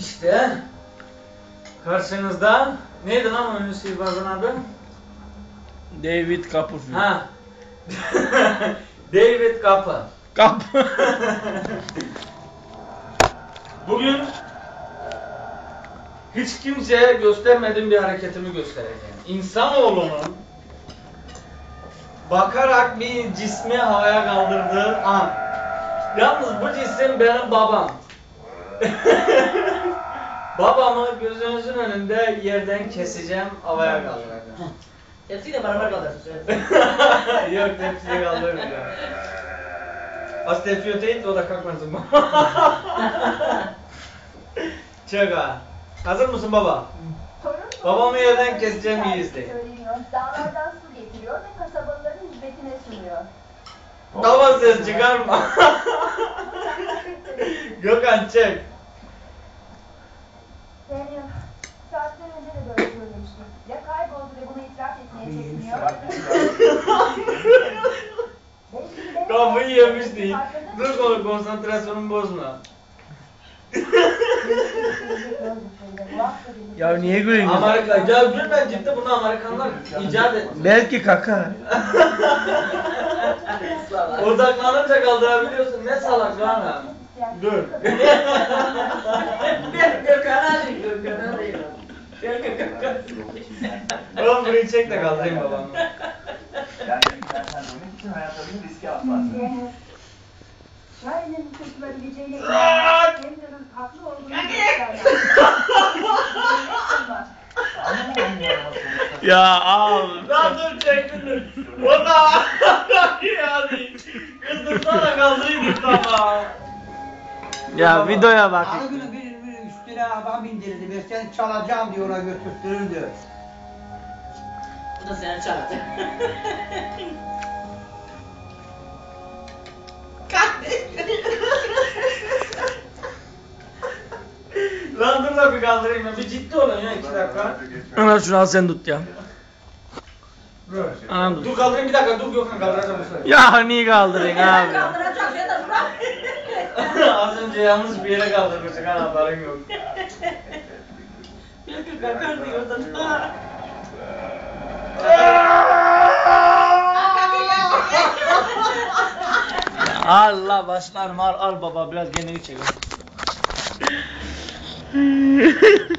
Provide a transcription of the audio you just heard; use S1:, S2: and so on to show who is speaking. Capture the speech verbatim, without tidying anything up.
S1: İşte karşınızda neydi lan o ünlü sihirbazın adı?
S2: David Copperfield.
S1: Ha. David Kapı.
S2: Kap.
S1: Bugün hiç kimseye göstermediğim bir hareketimi göstereceğim. İnsanoğlunun bakarak bir cismi havaya kaldırdığı an. Yalnız bu cisim benim babam. Babamı gözünüzün önünde yerden keseceğim, havaya kaldıracağım.
S3: Tepsiyle beraber kaldırsın.
S1: Yok, tepsiyle kaldırmayacağım. Az tepsiye değil de o da kalkmasın. Çek ha. Hazır mısın baba? Babamı yerden keseceğim, iyi izleyin.
S4: Dağlardan su getiriyor ve kasabaların hizmetine sunuyor.
S1: Baba ses çıkarma. Gökhan çek.
S4: Daniel, saatler önce de böyle söylemiştim. Ya kayboldu ve bunu itiraf etmeye çekiniyor.
S1: Kafayı yemiş değil. Dur oğlum, konsantrasyonumu bozma.
S2: Ya niye gülüyorsun?
S1: Amerika, ya gülme, ciddi bunu Amerikanlar icat etti.
S2: Belki kaka.
S1: Odaklanınca kaldırabiliyorsun, ne salak lan ha. Dur.
S3: Gökhan Ali, Gökhan Ali.
S1: Oğlum burayı çek de kaldırayım babamı.
S5: Yani internetten dönmek için hayatlarını riske atmazsın.
S4: Şahin'in kurtulabileceğine inanmak, Daniel'ın haklı olduğunu göstermek.
S2: Ya abi.
S1: Lan dur çektin dur. O da yani. Kız dursana kaldırayım Mustafa.
S2: Ya videoya bak.
S6: Her günü bir, bir üstüne adam bindirirdi ve sen çalacağım diye ona götürttürürdü.
S3: Bu da seni çağırdı.
S1: Lan dur da bir kaldırayım ya. Bir ciddi olun ya, iki dakika.
S2: Ana şunu al sen tut ya.
S1: Dur.
S2: Anam dur.
S1: Dur kaldırayım bir dakika, dur Gökhan kaldıracağım bu sefer.
S2: Ya niye kaldırın abi?
S3: Kaldıracak ya da bırak.
S1: Az önce yanlış bir yere kaldırmıştık, ha haberin yok.
S3: Gökhan Gökhan diyor da.
S2: Allah başlarım al al baba biraz kendini çek.